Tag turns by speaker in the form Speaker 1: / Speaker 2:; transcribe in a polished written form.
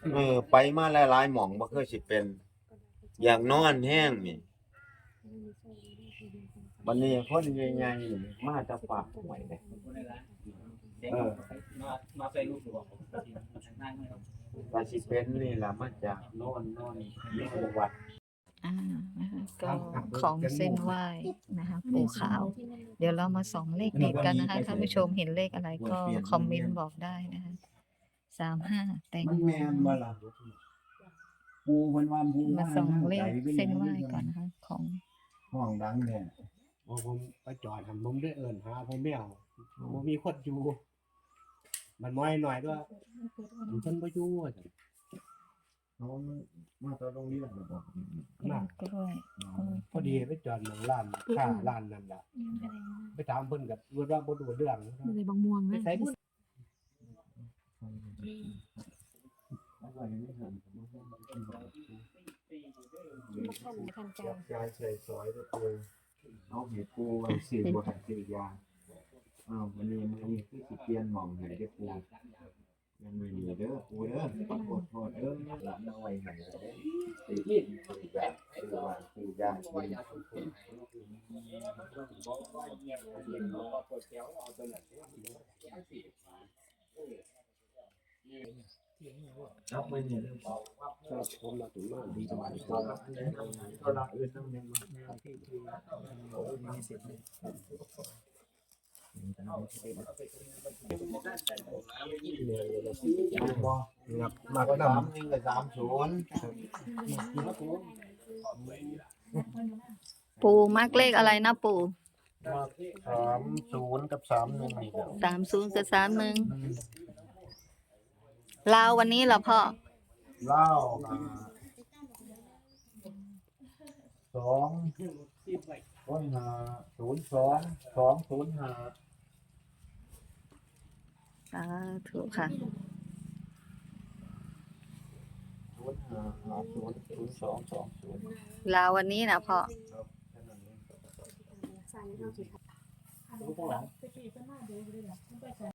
Speaker 1: ไปมาหลายๆหม่องบ่เคยสิเป็นอยากนอนแห้งนี่บัดนี้คนใหญ่ๆนี่มาจากปากห้วยเด้
Speaker 2: มาใส่ลูกหลวง
Speaker 1: ว่าสิเป็นนี่ล่ะมาจากโน่นอยู่วัด
Speaker 3: นะคะก็ของเส้นไหว้นะคะปู่ขาว เดี๋ยวเรามาส่องเลขเด็ดกันนะคะท่านผู้ชมเห็นเลขอะไรก็คอมเมนต์บอกได้นะคะ35แต่ง
Speaker 4: มันแม่นบ่ล่ะปูเพิ่นว่าปู
Speaker 3: มาส่องเลขเส้นไหว้ก่อนนะคะของ
Speaker 4: ห้องดังแท้
Speaker 2: ผมไปจอดผมได้เอิ้นหาผมไม่เอาผมมีคนอยู่มันน้อยหน่อยด้วยมันเพิ่นบ่อยู่จัง
Speaker 4: เขามาตอนโรงเรียนบ่บอก
Speaker 3: กล้วย
Speaker 2: พอดีไปจอดหลังร้านค้าร้านนั่นล่ะไปถามเพิ่นก็ว่าบ่รู้เรื่อง
Speaker 5: ในบางม่วง
Speaker 2: ไป
Speaker 5: นะ
Speaker 2: ใส่บุญ
Speaker 5: ทันใจ
Speaker 1: ยายใส่ซอยเด้อปูเอาให้ปูไว้ซื้อบ่ให้ซื้อยามื้อนี้คือสิเปลี่ยนหม่องให้เด้อปูยังไม่มีเด้อปูเด้อขอโทษเด้อหลับเอาไว้ให้เด้อซื้อยาซื้อยากินเอาไปนี่
Speaker 2: ผมมาถึงมาดีจังหวะนี้
Speaker 1: ก็ละอื่นนำยังมา
Speaker 2: มาก็นำ
Speaker 1: 31กับ30
Speaker 3: ปู่มักเลขอะไรนะปู่
Speaker 1: 30กับ31นี่แหละ
Speaker 3: 30กับ31ลาววันนี้เหรอพ่อ
Speaker 1: เล่า2โอ้ย02 205
Speaker 3: สาธุค่ะ
Speaker 1: 05
Speaker 3: ลาววันนี้นะพ่อ
Speaker 5: ใส่เข้าสิค่ะ